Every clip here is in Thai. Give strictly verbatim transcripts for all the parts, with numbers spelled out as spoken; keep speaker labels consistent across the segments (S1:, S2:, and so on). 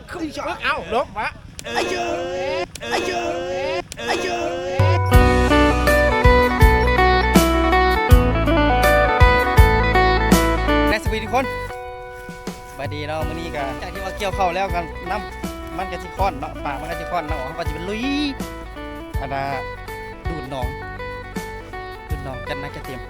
S1: ขึ้นเอาลบมาอายุอายุอายุและสวัสดีทุกคนสวัสดีเนาะมื้อนี้ก็จากที่ว่าเกี่ยวเข้าแล้วกันน้ำมันก็สิค้อนเนาะปากมันก็สิค้อนเนาะเขาก็จะเป็นลุยอันน่ะดูดหนองดูดหนองกันนะจะเตรียม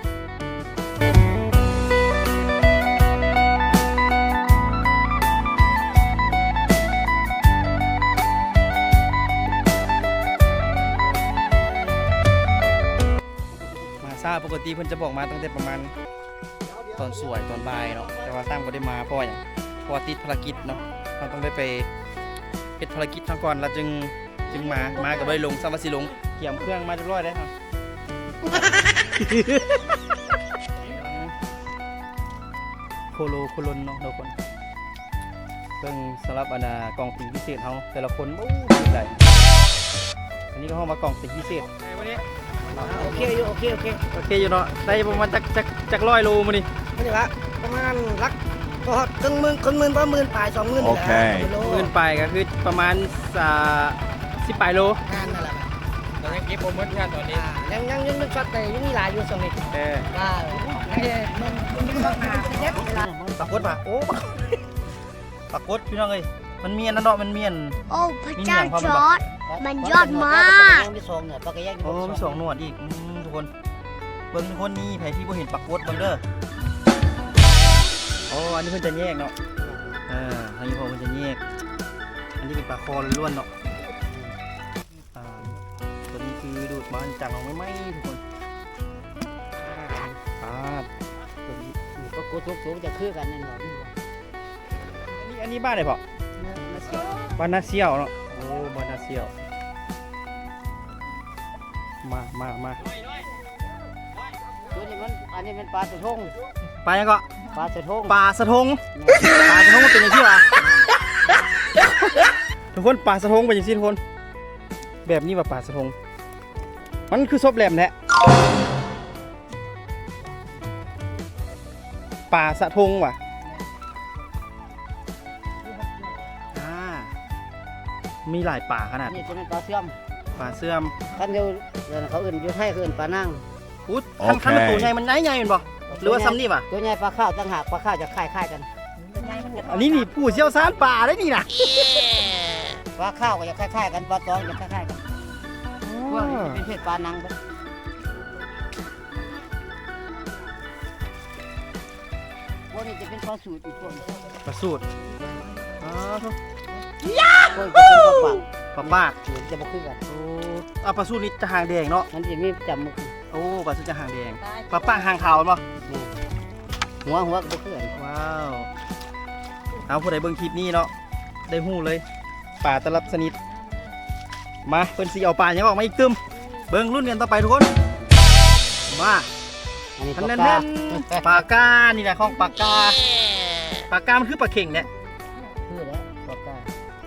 S1: ซาปกติเพิ่นจะบอกมาตั้งแต่ประมาณตอนสวยตอนบ่ายเนาะแต่ว่าตั้งบ่ได้มาเพราะอย่างเพราะติดภารกิจเนาะเราต้องได้ไปเฮ็ดภารกิจทั้งก่อนแล้วจึงจึงมามาก็บ่ได้ลงซ้ำว่าสิลงเตรียมเครื่องมาเรียบร้อยแล้วครับโคโลโคลนเนาะทุกคนเพิ่งสำหรับอันน่ะกล่องสีพิเศษเฮาแต่ละคนโอ้สุดได้อันนี้ก็เฮามากล่องสีพิเศษวันนี้โอเคอยู่โอเคโอเคโอเคอยู่เนาะได้ประมาณจักจักจักร้อยโลมาดิไม่ใช่ละประมาณลักก็ครึ่งหมื่นครึ่งหมื่นประมาณหมื่นปลายสองหมื่นโอเคหมื่นปลายก็คือประมาณสิบปลายโลงานนั่นแหละเรายังเก็บโปรโมชั่นตอนนี้ยังยังยังนึกช็อตแต่ยังมีหลายอยู่สองนี่เออได้มันมันมีปัญหาเยอะเวลาปรากฏป่ะโอ้ปรากฏพี่น้องเอ้ยมันเมียนนั่นเนาะมันเมียน
S2: โอ้พระเจ้าจอร์ดมันยอดมาก
S1: โอ้มีสองหนวดอีกทุกคนเบิ้งทุกคนนี่แผลที่บ่เห็นปรากฏเบิ้งเด้อโอ้อันนี้เพิ่นจะแยกเนาะอ่าอันนี้พอเพิ่นจะแยกอันนี้เป็นปลาคอล้วนเนาะอ่าตัวนี้คือดูดมาจากเราไม่ไหมทุกคนอ่าตัวนี้
S3: ปรากฏสูงๆจะคือกันนั่นหรอ
S1: อันนี้อันนี้บ้านไหนพ่อบ้านนาเซียวเนาะโอ้บ้านนาเซียวมามามา
S3: ตัวนี้มันอันนี้เป็นปลาสะทง
S1: ปลายังก็
S3: ปลาสะทง
S1: ปลาสะทงปลาสะทงมันเป็นอย่างที่วะทุกคนปลาสะทงเป็นอย่างที่ทุกคนแบบนี้ว่าปลาสะทงมันคือซบแหลมแท้ปลาสะทงว่ะมีหลายป่าขนาด
S3: นี่จะเป็นปลาเสื่อม
S1: ปลาเสื่อม
S3: ขั้นเดียวเขาอื่นอยู่ให้เขาอื่นปลานั่ง
S1: อุ๊ยขั้นขั้นตัวใหญ่มันใหญ่ใหญ่เป็นบ่หรือว่าซ้ำนี่ป่ะ
S3: ตัวใหญ่ปลาข้าวต่างหากปลาข้าวจะคล้ายคล้ายกัน
S1: อันนี้นี่ผู้เชี่ยวชาญป่าได้นี่นะ
S3: ปลาข้าวก็จะคล้ายคล้ายกันปลาตองจะคล้ายคล้ายกันพวกนี้เป็นเพศปลานั่งพวกนี้จะเป็นปลาสูตรอีกพวก
S1: ปลาสูตรอ๋อทุก
S3: พวกนี้เป็นปลา
S1: ปลาปาก
S3: จะมาคือกัน
S1: โอ้ปลาสูตรนี่จะหางแดงเนาะ
S3: มันจะมีจำมุก
S1: โอ้ปลาสูตรจะหางแดงปลาปากหางขาวมั้ง
S3: หัวหัวก็คือกัน
S1: ว้าวเอาผู้ใดเบิ่งคลิปนี้เนาะได้หู้เลยป่าตลับสนิทมาเพิ่นสิเอาปลายังออกมาอีกตึมเบิ่งรุ่นกันต่อไปทุกคนมาอันนั้นนั่นปลากานี่แหละของปลากาปลากามันคือปลาเข่งเนี่ย
S3: คือแล้วปลากา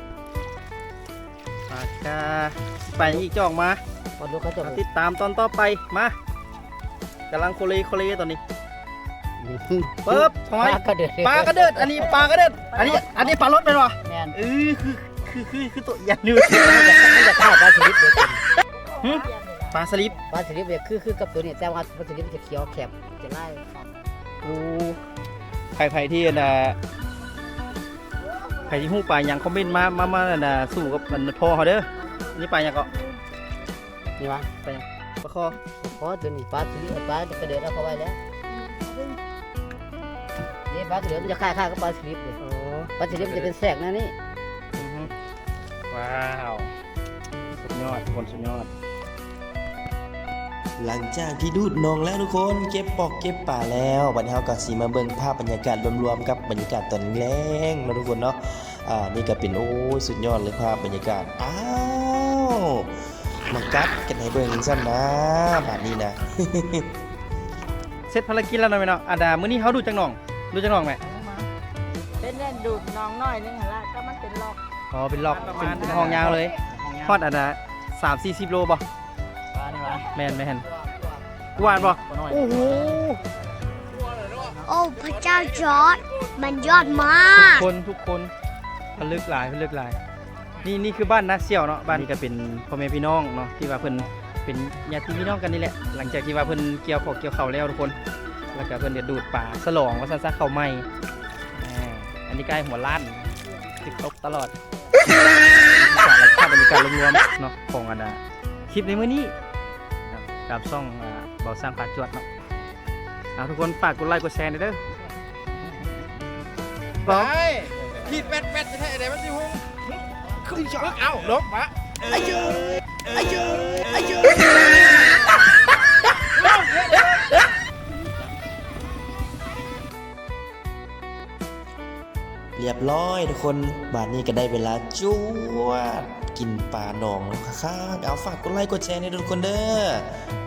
S1: ปลากาไปอีกจอกมาติดตามตอนต่อไปมากำลังโคเลโคเลตอนนี้ปึ๊บทำไมปลากระเดิดอันนี้ปลากระเดิดอันนี้อันนี้ปลารถเป็นวะเออคือคือคือคือตัวใหญ่นู่น
S3: มันจะฆ่าปลาสลิดเดียวกัน
S1: ปลาสลิด
S3: ปลาสลิดเนี่ยคือคือกับตัวนี้แต่ว่าปลาสลิดจะเขียวแคบจะไล่
S1: โอ้ใครใครที่น่ะใครที่หู้ปลาอย่างคอมเมนต์มามามาน่ะสู้กับมันพอเขาเด้อนี่ปลาอย่างก็
S3: นี่วะ
S1: ปลาอย่างปลาคอ
S3: คอตัวนี้ปลาสลิดปลากระเดิดเอาเข้าไว้แล้วนี่ปลากระเดิดมันจะคล้ายๆกับปลาสลิดเลยปลาสลิดมันจะเป็นแสกนะนี่
S1: ว้าวสุดยอดคนสุดยอด
S4: หลังจากที่ดูดนองแล้วทุกคนเก็บปอกเก็บป่าแล้วบัดนี้เราก็สิมาเบิ่งภาพบรรยากาศรวมๆกับบรรยากาศตอนแรงๆนะทุกคนเนาะอ่านี่ก็เป็นโอ้สุดยอดเลยภาพบรรยากาศอ้าวมากัดกันให้เบิ่งซ้ำนะบัดนี้นะ
S1: เสร็จภารกิจแล้วเนาะแม่เนาะอาดามื้อนี้เฮาดูจังหน่องดูจังหน่องแม่
S3: เป็นเล่นดูดน้องน้อยนึงหั่นล่ะก็มันเป็นล็อก
S1: อ๋อเป็นล็อกเป็นห้องยาวเลยทอดอาดาสามสี่สิบโลบ่แม่นแม่นกวาดป่ะโอ้โห
S2: โอ้พระเจ้าจอร์ดมันยอดมาก
S1: ทุกคนทุกคนพลึกหลายพลึกหลายนี่นี่คือบ้านนาเสี่ยวเนาะบ้านนี้ก็เป็นพ่อแม่พี่น้องเนาะที่ว่าเพิ่นเป็นญาติพี่น้องกันนี่แหละหลังจากที่ว่าเพิ่นเกี่ยวข้าวเกี่ยวข้าวแล้วทุกคนแล้วก็เพิ่นเดี๋ยวดูดป่าฉลองว่าซั่นซะข้าวใหม่อ่าอันนี้ใกล้หัวล้านติดตกตลอดบรรยากาศบรรยากาศรวมๆเนาะของอันน่ะคลิปในมื้อนี้ครับกับช่องอ่าเบาสร้างปาจวดเนาะเอาทุกคนฝากกดไลค์กดแชร์หน่อยเด้อ
S5: ไปขีดแปดแปดจะใช่อะไรมันสิฮุ้งขึ้นช็อตเอาลบมาอายุอายุอายุ
S4: เรียบร้อยทุกคนบาดนี้ก็ได้เวลาจวดกินปลาหนองแล้วค่ะเอาฝากกดไลค์กดแชร์ให้ทุกคนเด้อ